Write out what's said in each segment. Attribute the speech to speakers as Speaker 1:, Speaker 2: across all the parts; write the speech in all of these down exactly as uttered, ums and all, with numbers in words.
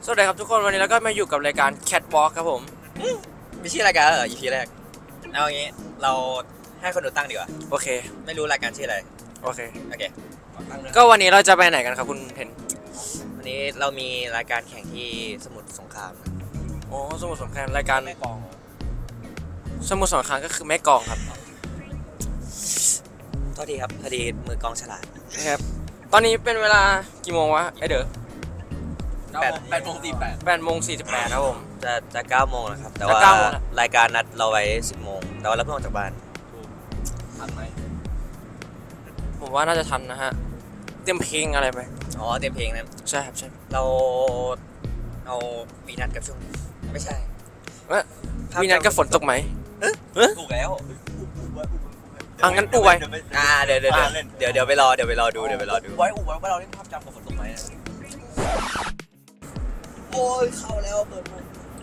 Speaker 1: สวัสดีครับทุกคนวันนี้เราก็มาอยู่กับรายการ Catwalk ครับผม
Speaker 2: ไม่ใช่รายการเหรอ อี พี แรกเอาอย่างงี้เราให้คนดูตั้งดีกว่า
Speaker 1: โอเค
Speaker 2: ไม่รู้รายการชื่ออะไร
Speaker 1: โอเค
Speaker 2: โอเค
Speaker 1: ก็วันนี้เราจะไปไหนกันครับคุณเทน
Speaker 2: วันนี้เรามีรายการแข่งที่สมุทรสงคราม
Speaker 1: โอ้สมุทรสงครามรายการแม่กองสมุทรสงครามก็คือแม่กองครับ
Speaker 2: โทษทีครับพอดีมือกองฉลาด
Speaker 1: นะครับตอนนี้เป็นเวลากี่โมงวะไอเด้อ
Speaker 2: แปดแปดโมงสี่แปด
Speaker 1: แปดโมงสี่สิบแปดครับผม
Speaker 2: จะจะเก้าโมงแล้วครับแต่ว่ารายการนัดเราไว้สิบโมงแต่ว่าเราเพิ่งออกจากบ้าน
Speaker 1: ทันไหมผมว่าน่าจะทันนะฮะเตรียมเพลงอะไรไป
Speaker 2: อ๋อเตรียมเพลงนะ
Speaker 1: ใช่ครับใช่
Speaker 2: เราเอาวีนัดกับช่วงไม่ใช่
Speaker 1: วีนัดกับฝนตกไหม
Speaker 2: ถูกแล้ว
Speaker 1: อ่ะงั้นอูไว้
Speaker 2: อ่าเดี๋ยวเดี๋ยวเดี๋ยวเดี๋ยวไปรอเดี๋ยวไปรอดูเดี๋ยวไปรอดู
Speaker 3: ไว้อูไว้ว่าเราเล่นภาพจำกับฝนตกไหมโอ้ยเข้าแล้วเปิดมุม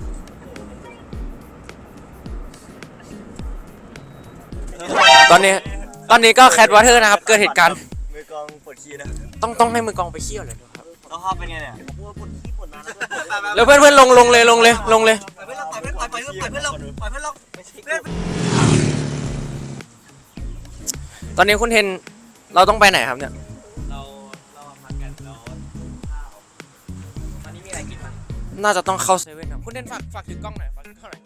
Speaker 1: ตอนนี้ตอนนี้ก็แคทวอเตอร์นะครับเกิดเหตุการณ์
Speaker 3: มือกองปวดขี้นะ
Speaker 1: ต้องต้องให้มือกองไปเขี้ยวเลยครับ
Speaker 3: ต้องภาพเป็นไงเนี่ยปวดปวดขี้ปวดนาน
Speaker 1: แล้วเพื่อนเพื่อนลงลงเลยลงเลยลงเลย
Speaker 3: ปล่อยเพื่อนเราปล่อยเพื่อนปล่อยเพื่อนปล่อยเพื่อนเราปล่อยเพื่อนเราเพื่อน
Speaker 1: ตอนนี้คุณเทนเราต้องไปไหนครับเนี่ย
Speaker 3: เราเราพักกันแล้วข้าวตอนนี้มีอะไรกินมั้ย
Speaker 1: น่าจะต้องเข้าเซเว่นครับคุณเทนฝากฝากถือกล้องหน่อยฝากถือกล้องหน่อย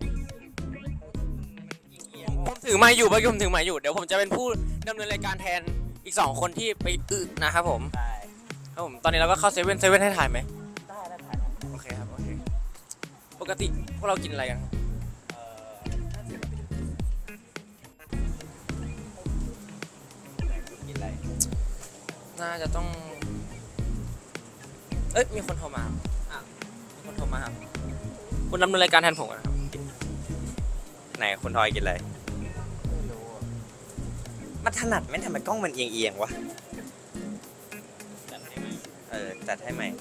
Speaker 1: ผมถือไม้อยู่เมื่อกี้ผมถือไม้อยู่เดี๋ยวผมจะเป็นผู้ดำเนินรายการแทนอีกสองคนที่ไปอึนะครับผม
Speaker 3: ได้
Speaker 1: ครับผมตอนนี้เราก็เข้าเซเว่นเซเว่นให้ถ่ายไหม
Speaker 3: ได้ได้ถ่าย
Speaker 1: โอเคครับโอเคปกติพวกเรากินอะไรกัน
Speaker 3: เอ่อกินอะไร
Speaker 1: น่าจะต้องเอ้ยมีคนโทรมาอ่ะมีคนโทรมาครับคุณดำเนินรายการแทนผมนะครับ
Speaker 2: ไหนคุณทอยกินอะไรมันถนัดไหมทำไมกล้องมันเอียงเอียงวะเออจัดให้ใหม่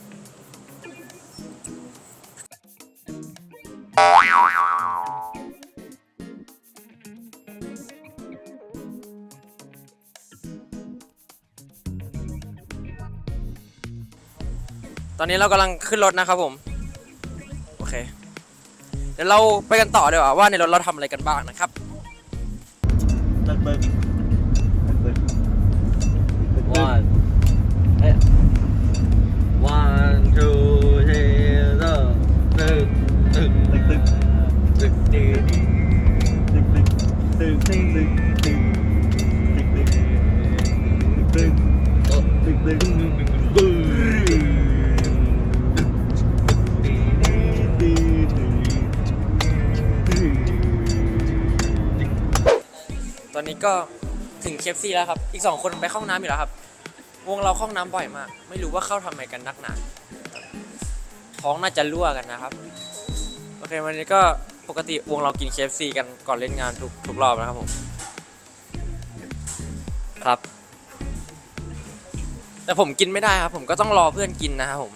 Speaker 1: ตอนนี้เรากำลังขึ้นรถนะครับผมโอเคเดี๋ยวเราไปกันต่อดีกว่าว่าในรถเราทำอะไรกันบ้างนะครับ
Speaker 3: เลิกเบิร์ก
Speaker 2: one one two three four ตึกตึกตึกตึกตึกตึกตึกตึกตึกตึกตึกตึกตึกตึกตึกตึกตึกตึก
Speaker 1: ตอนนี้ก็ถึง เค เอฟ ซี แล้วครับอีกสองคนไปเข้าห้องน้ำอยู่แล้วครับวงเราเข้าห้องน้ำบ่อยมากไม่รู้ว่าเข้าทำไมกันนักหนาท้องน่าจะรั่วกันนะครับโอเควันนี้ก็ปกติวงเรากิน เค เอฟ ซี กันก่อนเล่นงานทุกทุกรอบนะครับผมครับแต่ผมกินไม่ได้ครับผมก็ต้องรอเพื่อนกินนะครับผม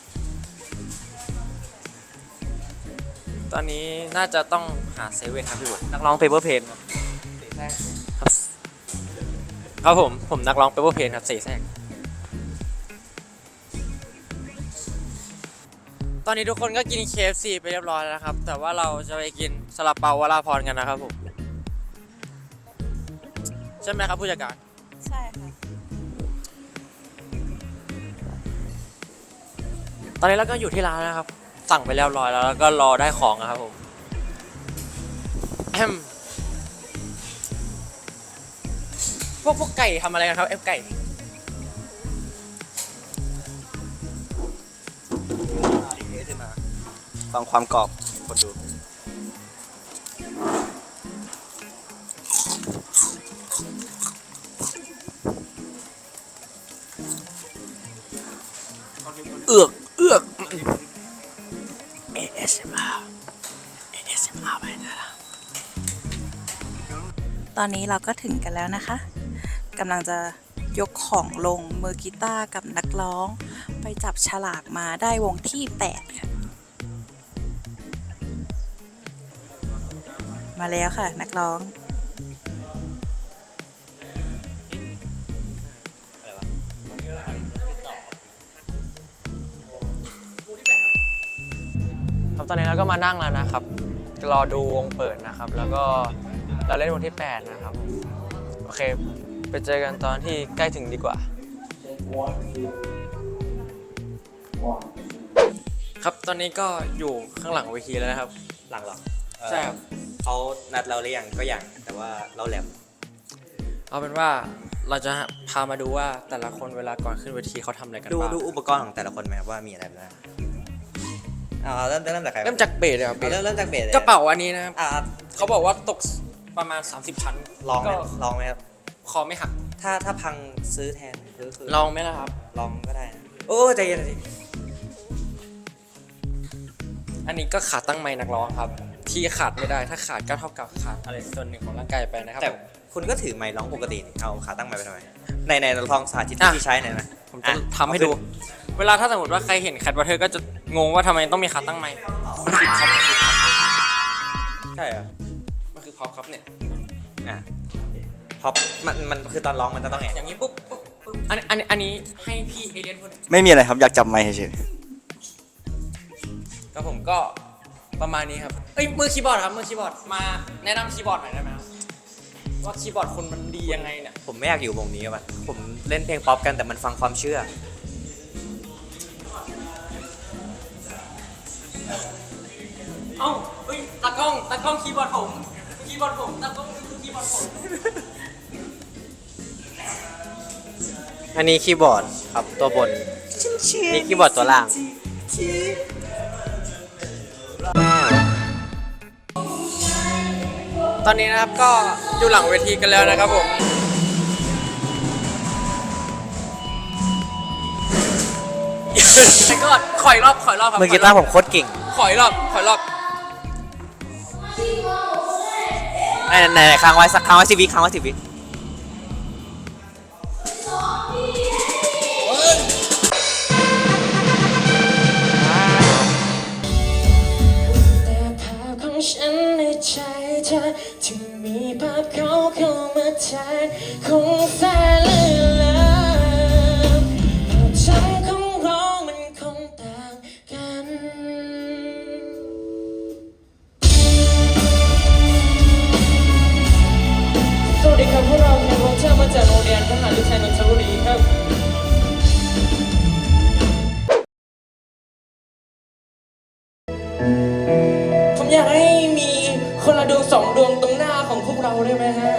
Speaker 1: ตอนนี้น่าจะต้องหาเซเว่นครับพี่บุตรนักร้องเปเปอร์เพนครับครับผมผมนักร้องเปเปอร์เพนครับเสแสร้งตอนนี้ทุกคนก็กิน เค เอฟ ซี ไปเรียบร้อยแล้วนะครับแต่ว่าเราจะไปกินซาลาเปาวราพรกันนะครับผมใช่ไหมครับผู้จัดการ
Speaker 4: ใช่ค่ะ
Speaker 1: ตอนนี้เราก็อยู่ที่ร้านนะครับสั่งไปเรียบร้อยแล้วแล้วก็รอได้ของนะครับผมแอมพวกพวกไก่ทำอะไรกันครับเอฟไก่
Speaker 2: ฟังความกรอบคนดู
Speaker 1: เอือกเอือก เอ เอส เอ็ม อาร์ เอ เอส เอ็ม อาร์ ไปนะ
Speaker 4: ตอนนี้เราก็ถึงกันแล้วนะคะกำลังจะยกของลงมือกีตาร์กับนักร้องไปจับฉลากมาได้วงที่แปดค่ะมาแล้วค่ะนักร้อง
Speaker 1: ครับตอนนี้เราก็มานั่งแล้วนะครับรอดูวงเปิดนะครับ แล้วก็เราเล่นวงที่แปดนะครับโอเคไปเจอกันตอนที่ใกล้ถึงดีกว่า ครับตอนนี้ก็อยู่ข้างหลังเวทีแล้วนะครับ
Speaker 3: หลังเหรอ
Speaker 1: ใช่ครับ
Speaker 3: เขานัดเราหรือยังก็ยังแต่ว่าเราแหลม
Speaker 1: เอาเป็นว่าเราจะพามาดูว่าแต่ละคนเวลาก่อนขึ้นเวทีเขาทำอะไรกัน
Speaker 3: ดู
Speaker 1: บ้าง
Speaker 3: ดูอุปกรณ์ของแต่ละคนไหมครับว่ามีอะไรบ้างอ่าเริ่มเริ่มจากใคร
Speaker 1: เริ่มจากเบสเลยครับเบ
Speaker 3: เอา
Speaker 1: ส
Speaker 3: เริ่มเริ่มจากเบสเลย
Speaker 1: กระเป๋าอันนี้นะครับ
Speaker 3: อ่า
Speaker 1: เขาบอกว่าตกประมาณ สามสิบ ชั้น
Speaker 3: ลองไหม
Speaker 1: ก็
Speaker 3: ลองไหมครับ
Speaker 1: คอไม่หัก
Speaker 3: ถ้าถ้าพังซื้อแทนซื้อคือ
Speaker 1: ลองไหมล่ะครับ
Speaker 3: ลองก็ได้นะโอ้ใจเย็นใจเย็น
Speaker 1: อันนี้ก็ขาตั้งไม้นักร้องครับ ที่ขาดไม่ได้ถ้าขาดก็เท่ากับขาดอะไรส่วนหนึ่งของร่างกายไปนะครับ
Speaker 3: แต่
Speaker 1: ผม
Speaker 3: คุณก็ถือไมค์ร้องปกตินี่เอาขาตั้งไมค์ไปทำไมในในลองสาธิต
Speaker 1: อ่ะ
Speaker 3: ที่ใช้หน่อยนะ
Speaker 1: ผมจะทำให้ดู เวลาถ้าสมมติว่าใครเห็นแคทวอเทอร์ก็จะงงว่าทำไมต้องมีขาตั้งไม้มันคือพ็อป
Speaker 3: ใช่เหรอ
Speaker 1: มันคือพ็อปครับเนี่ย
Speaker 3: อ่ะพอมันมันคือตอนร้องมันจะต้องไง
Speaker 1: อย่างนี้ปุ๊บปุ๊บปุ๊บอันอันอันนี้ให้พี่เอเลียนพูด
Speaker 2: ไม่มีอะไรครับอยากจับไมค์เฉย
Speaker 1: ก็ผมก็ประมาณนี้ครับเอ้ยมือคีย์บอร์ดครับมือคีย์บอร์ดมาแนะนำคีย์บอร์ดหน่อยได้ไหมครับว่าคีย์บอร์ดคุณมันดียังไงเนี่ย
Speaker 3: ผมไม่อยากอยู่วงนี้ว่ะผมเล่นเพลงป๊อปกันแต่มันฟังความเชื่อ
Speaker 1: เอ้าเอ้ยตากล้องตากล้องคีย์บอร์ดผมคีย์บอร์ดผมตากล้องคีย์บอร์ดผม
Speaker 3: อันนี้คีย์บอร์ดครับตัวบนนี่คีย์บอร์ดตัวล่าง
Speaker 1: ตอนนี้นะครับก็อยู่หลังเวทีกันแล้วนะครับผมแล้วก็ขออีกรอบขออีกรอบครับ
Speaker 3: มือกีตาร์ผมโคตรเก่ง
Speaker 1: ขออีกรอบขออีกรอบ
Speaker 3: ไหนไหนไหนค้างไว้สักค้างไว้สิบวิค้างไว้สิบวิ
Speaker 5: แต่ภาพของฉันในใจเธอที่มีภาพเขาเข้ามาแทนคงแสนเลื่อนลางภาพจำของเรามันคงต่างกัน สวัสดีครับพวกเราแคทวอเทอร์มาจากโรงเรียนทหารเรือไทยนนทบุรีครับ ผมอยากให้มีคนละดวงสองดวงตรงหน้าของพวกเราได้ไหมฮะ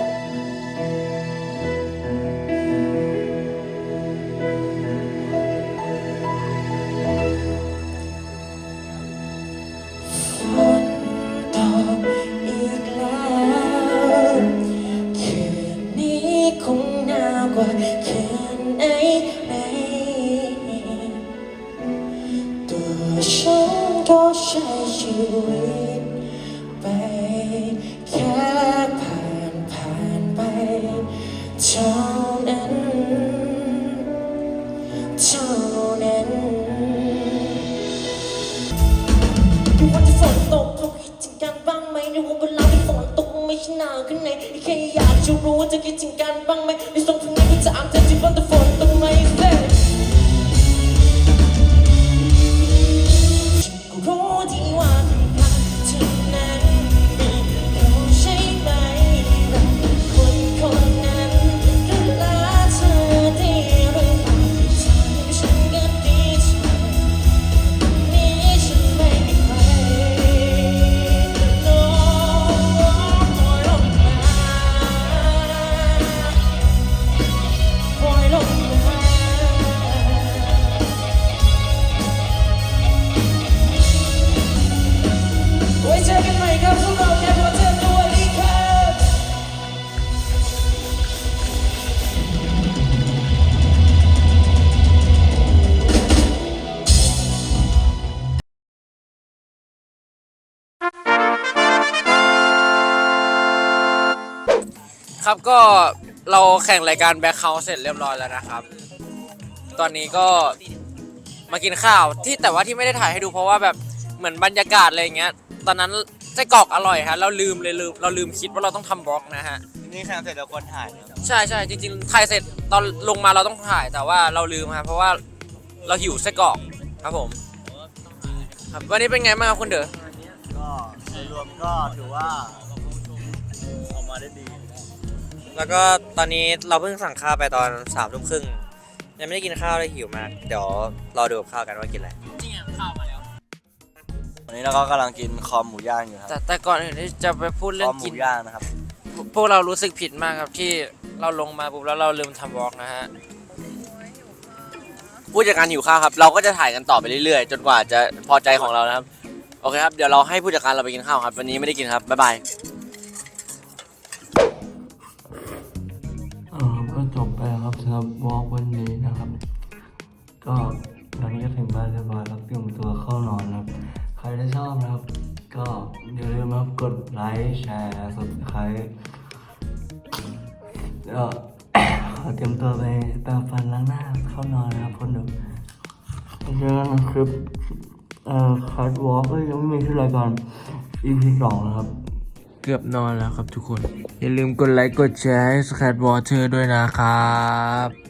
Speaker 5: ฝนตกอีกแล้วคืนนี้คงหนาวกว่าคืนไหนไหนตัวฉันก็ใช้ชีวิตไปแค่ผ่านผ่านไปเท่านั้นเท่านั้น วันที่ฝนตกเขาคิดถึงกันบ้างไหมในวันเวลาที่ฝนตกไม่ใช่หนาวขึ้นไหนแค่อยากจะรู้ว่าจะคิดถึงกันบ้างไหมในส่งเพลงนี้เพื่อจะอ่านเธอที่วันที่ฝนตกไม่เสร็จฉันก็รู้ดีว่าเป็นคำที่นั้นมีเขาใช่ไหมรักคนคนนั้นดูแลเธอได้หรือเปล่าทำให้ฉันก็ดีใจนี้ฉันไม่มีใคร No ปล่อยลงมาปล่อยลงมาไว้เจอกันใหม่ครับพวกเราแคทวอเทอร์สวัสดีครับ
Speaker 1: ครับก็เราแข่งรายการแบ็คเฮาส์เสร็จเรียบร้อยแล้วนะครับ ตอนนี้ก็มากินข้าวที่แต่ว่าที่ไม่ได้ถ่ายให้ดูเพราะว่าแบบเหมือนบรรยากาศอะไรอย่างเงี้ยตอนนั้นไส้กรอกอร่อยฮะเราลืมเลยลืมเราลืมคิดว่าเราต้องทำบล็อกนะฮะ
Speaker 3: นี่แข่งเสร็จแล้วคนถ่าย
Speaker 1: ใช่ใช่จริงๆถ่ายเสร็จตอนลงมาเราต้องถ่ายแต่ว่าเราลืมครับเพราะว่าเราหิวไส้กรอกครับผมครับวันนี้เป็นไงบ้างครับคุณเด๋อ
Speaker 2: โดยรวมก็ถือว่าออกมาได้ดี
Speaker 3: แล้วก็ตอนนี้เราเพิ่งสั่งข้าวไปตอนสามทุ่มครึ่งยังไม่ได้กินข้าวเลยหิวมาก เดี๋ยวรอดูกับข้าวกันว่ากินอะไร
Speaker 2: วันนี้เราก็กำลังกินคอมหมูย่างอยู่ครับ
Speaker 1: แต่แต่ก่อนอื่นที่จะไปพูด
Speaker 2: ค
Speaker 1: เรื่อ
Speaker 2: อง มห
Speaker 1: กิ
Speaker 2: มู
Speaker 1: น
Speaker 2: ย่างนะครับ
Speaker 1: พวกเรารู้สึกผิดมากครับที่เราลงมาปุ๊บแล้วเราลืมทำวอล์กนะฮะ
Speaker 6: ผู้จัดการหิวข้าวครับ เราก็จะถ่ายกันต่อไปเรื่อยๆ จนกว่าจะพอใจของเรานะครับ โอเคครับ เดี๋ยวเราให้ผู้จัดการเราไปกินข้าวครับ วันนี้ไม่ได้กินครับ บ๊ายบาย
Speaker 7: เออก็จบไปแล้วครับสำหรับวอล์กวันนี้นะครับ ก็ตอนนี้ก็ถึงบ้านเรียบร้อยแล้วเตรียมตัวเข้านอนนะครับ ใครที่ชอบนะครับ ก็อย่าลืมนะครับกดไลค์แชร์ subscribe ก็ ขอเตรียมตัวไปแปรงฟันล้างหน้าเข้านอนนะครับคนดูเจอกันในคลิปเอ่อคัดวอล์กก็ยังไม่มีที่รายการ อี พี สองนะครับ เกือบนอนแล้วครับทุกคน อย่าลืมกดไลค์กดแชร์ให้ Scat Water ด้วยนะครับ